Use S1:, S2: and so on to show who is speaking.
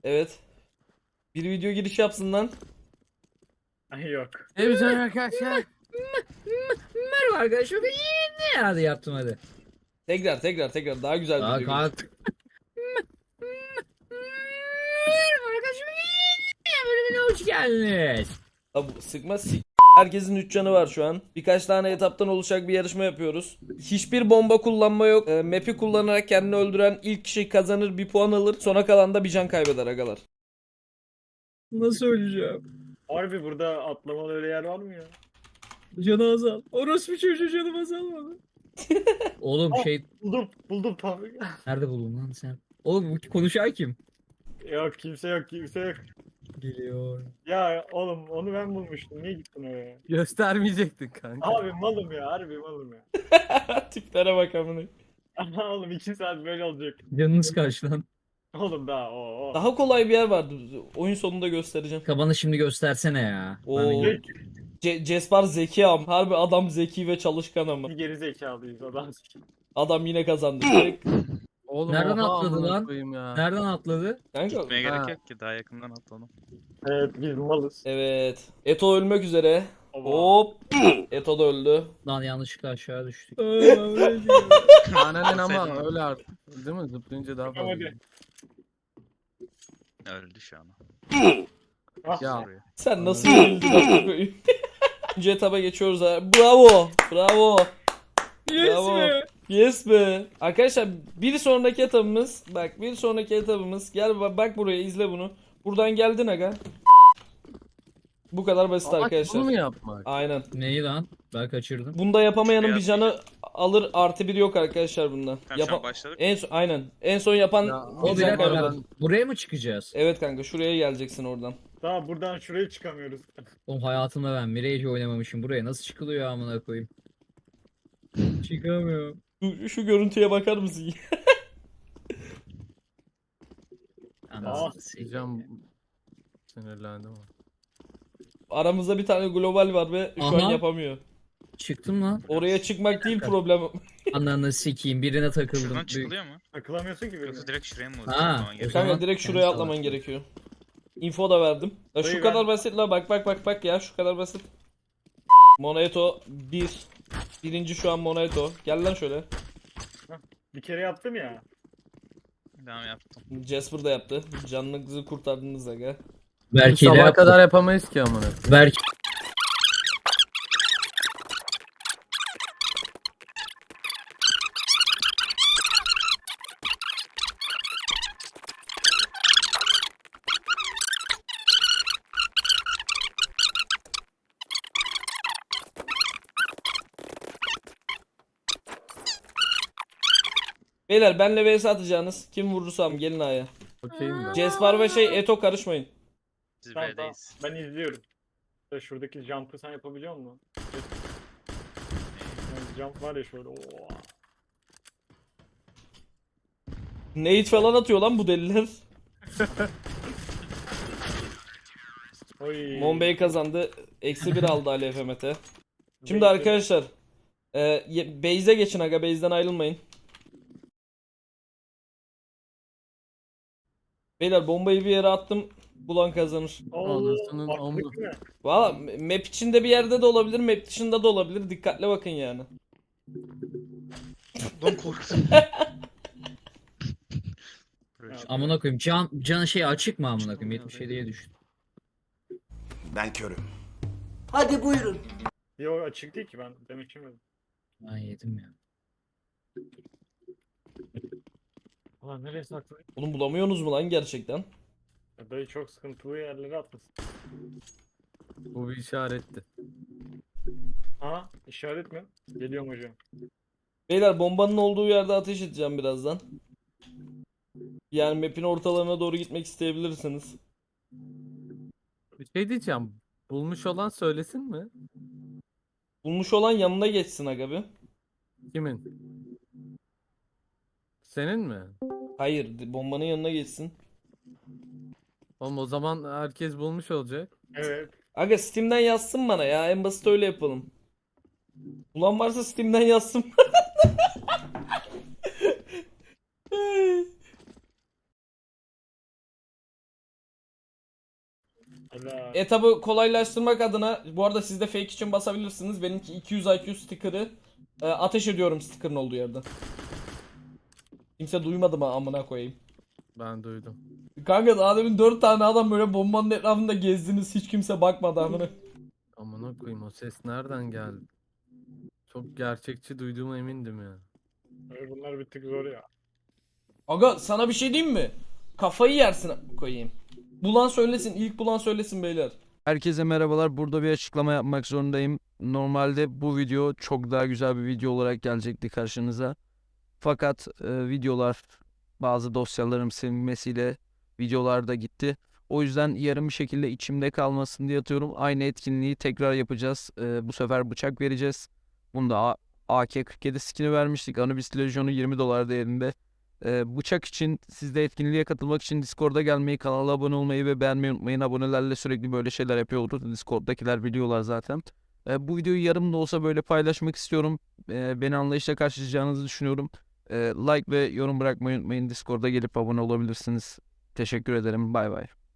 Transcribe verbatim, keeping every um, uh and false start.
S1: Evet. Bir video giriş yapsın lan.
S2: Ay yok.
S3: Evet arkadaşlar.
S4: Merhaba arkadaşlar. Ben ne hadi yaptım hadi.
S1: Tekrar tekrar tekrar daha güzel bir
S4: Aa,
S1: video giriş.
S4: kalk. Merhaba arkadaşlar. Bölümüne hoş geldiniz.
S1: Abi sıkma sik. Herkesin üç canı var şu an. Birkaç tane etaptan oluşacak bir yarışma yapıyoruz. Hiçbir bomba kullanma yok. E, map'i kullanarak kendini öldüren ilk kişi kazanır, bir puan alır. Sona kalan da bir can kaybeder agalar.
S4: Nasıl öleceğim?
S2: Harbi burada atlamalı öyle yer var mı ya?
S4: Canı azal. Orospu çocuğu canım azalmadı. Oğlum
S2: Aa.
S4: şey
S2: Buldum buldum tam.
S4: nerede buldun lan sen? Oğlum bu konuşan kim?
S2: Yok kimse yok kimse yok.
S4: Geliyor.
S2: Ya oğlum onu ben bulmuştum. Niye gittin oraya?
S3: Göstermeyecektin kanka.
S2: Abi malım ya harbi malım ya.
S1: Tiplere bak amına.
S2: Oğlum iki saat böyle olacak.
S4: Canınız kaç lan?
S2: Oğlum daha o o.
S1: Daha kolay bir yer vardı. Oyun sonunda göstereceğim.
S4: Kabanı şimdi göstersene ya.
S1: Oo.
S4: Ben de-
S1: Ce Cespar zeki am. Harbi adam zeki ve çalışkan ama.
S2: Bir geri zekalıyız adam.
S1: Adam yine kazandı. Direkt.
S3: Oğlum
S4: Nereden
S3: oha
S4: atladı
S3: amına
S4: lan?
S3: koyayım ya.
S4: Nereden atladı?
S1: Kanka.
S5: Gitmeye
S3: Ha.
S5: gerek yok ki daha yakından atladım.
S2: Evet biz malız.
S1: Evet. Eto ölmek üzere.
S2: Oba.
S1: Hop. Eto da öldü.
S4: Lan yanlışlıkla aşağı düştük.
S3: Annen ama
S5: Atsaydın.
S3: öyle artık. Değil mi? Zıplayınca daha
S2: Tamam,
S3: fazla.
S2: hadi.
S5: Öldü şu an.
S2: Ah,
S3: Ya.
S5: Soruyor.
S1: Sen nasıl bildin amına koyayım? İkinci etaba geçiyoruz ha. Bravo. Bravo. Bravo. Yes be. Arkadaşlar bir sonraki etabımız, bak bir sonraki etabımız, gel ba- bak buraya, izle bunu. Buradan geldin aga. Bu kadar basit
S3: Amaç
S1: arkadaşlar.
S3: bunu mu yapmak?
S1: Aynen.
S4: Neyi lan? Ben kaçırdım.
S1: Bunda yapamayanın bir
S5: Beyaz
S1: canı alır, artı bir yok arkadaşlar bunda.
S5: Tamam şu an
S1: Yapa-
S5: başladık.
S1: en son aynen. En son yapan
S3: Ya,
S1: bir
S4: O bir
S1: can
S4: dakika
S1: kaybeder.
S4: ben- buraya mı çıkacağız?
S1: Evet kanka, şuraya geleceksin oradan.
S2: daha buradan şuraya çıkamıyoruz.
S4: Oğlum hayatımda ben Mirage oynamamışım. Buraya nasıl çıkılıyor amına koyayım? Çıkamıyorum.
S1: Şu, şu görüntüye bakar mısın?
S4: Anasını sikeyim.
S3: Diyeceğim. Sinirlendim ama.
S1: Aramızda bir tane global var ve şu an
S4: Aha.
S1: yapamıyor.
S4: Çıktım lan.
S1: Oraya çıkmak değil problem.
S4: Ananı sikeyim. Birine takıldım.
S5: Şuradan
S4: Büyük-
S5: çıkılıyor mu?
S2: Takılamıyorsun ki böyle.
S5: Yoksa direkt şuraya mı
S4: Ha,
S5: atlaman
S4: o
S5: gerekiyor?
S4: zaman-
S1: Kanka direkt şuraya
S4: Kendi
S1: atlaman
S4: salak.
S1: gerekiyor. Info da verdim. Ya şu
S2: Dayı
S1: kadar
S2: ben-
S1: basit la, bak bak bak bak ya, şu kadar basit. Monaeto bir. Birinci şu an Monaeto. Gel lan şöyle.
S2: Bir kere yaptım ya.
S5: Devam yaptım.
S1: Jasper da yaptı. Canınızı kurtardınız aga.
S4: Belki de
S3: Sabah
S4: yaptım.
S3: kadar yapamayız ki amına.
S4: Belki
S1: Beyler benle vs atacağınız. Kim vurursam gelin aya.
S3: Okeyim ben.
S1: Jasper ve şey Eto karışmayın.
S5: Siz
S2: Tamam, tamam.
S5: B'deyiz.
S2: Ben izliyorum. Ya şuradaki jump'ı sen yapabiliyor musun? Yani jump var ya şöyle. Oo.
S1: Nate falan atıyor lan bu deliler.
S2: Oy.
S1: Monbey kazandı. Eksi bir aldı Ali F M T. Şimdi
S2: Bekle.
S1: arkadaşlar. E, ye- base'e geçin aga. Base'den ayrılmayın. Beyler bombayı bir yere attım. Bulan kazanır.
S2: Oo,
S3: Anasının
S2: attık
S3: amı.
S2: mı?
S1: Valla map içinde bir yerde de olabilir. Map dışında da olabilir. Dikkatle bakın yani.
S5: Don korktum.
S2: Ya,
S4: amına koyayım. Can can şey açık mı amına koyayım? yetmiş yediye düştü.
S6: Ben körüm.
S7: Hadi buyurun.
S2: Yok açık değil ki ben demek ki.
S4: Ben yedim ya.
S2: Ulan nereye saklı?
S1: Oğlum bulamıyorsunuz mu lan gerçekten?
S2: Ya dayı çok sıkıntılı yerlere atlasın.
S3: Bu bir işaretti.
S2: Ha işaret mi? Geliyorum hocam.
S1: Beyler bombanın olduğu yerde ateş edeceğim birazdan. Yani map'in ortalarına doğru gitmek isteyebilirsiniz.
S3: Bir şey diyeceğim. Bulmuş olan söylesin mi?
S1: Bulmuş olan yanına geçsin aga bir.
S3: Kimin? Senin mi?
S1: Hayır, bombanın yanına geçsin.
S3: Oğlum o zaman herkes bulmuş olacak.
S2: Evet.
S1: Aga Steam'den yazsın bana ya, en basit öyle yapalım. Ulan varsa Steam'den yazsın.
S2: Helal.
S1: Etabı kolaylaştırmak adına bu arada siz de fake için basabilirsiniz. Benimki iki yüz I Q sticker'ı e, ateş ediyorum sticker'ın olduğu yerden. Kimse duymadı mı amına koyayım.
S3: Ben duydum.
S1: Kanka daha demin dört tane adam böyle bombanın etrafında gezdiniz, hiç kimse bakmadı amına.
S3: Amına koyayım, o ses nereden geldi? Çok gerçekçi duyduğuma emindim ya.
S2: Böyle bunlar bir tık zor ya.
S1: Aga sana bir şey diyeyim mi? Kafayı yersin koyayım. Bulan söylesin, ilk bulan söylesin beyler.
S8: Herkese merhabalar. Burada bir açıklama yapmak zorundayım. Normalde bu video çok daha güzel bir video olarak gelecekti karşınıza. Fakat e, videolar, bazı dosyalarım silinmesiyle videolar da gitti. O yüzden yarım bir şekilde içimde kalmasın diye atıyorum. Aynı etkinliği tekrar yapacağız. E, bu sefer bıçak vereceğiz. Bunda A- AK kırk yedi skin'i vermiştik. Anubis Legion'u yirmi dolar değerinde. Ee, bıçak için, siz de etkinliğe katılmak için Discord'a gelmeyi, kanala abone olmayı ve beğenmeyi unutmayın. Abonelerle sürekli böyle şeyler yapıyoruz. Discord'dakiler biliyorlar zaten. Ee, bu videoyu yarım da olsa böyle paylaşmak istiyorum. Ee, beni anlayışla karşılayacağınızı düşünüyorum. Ee, like ve yorum bırakmayı unutmayın. Discord'a gelip abone olabilirsiniz. Teşekkür ederim. Bay bay.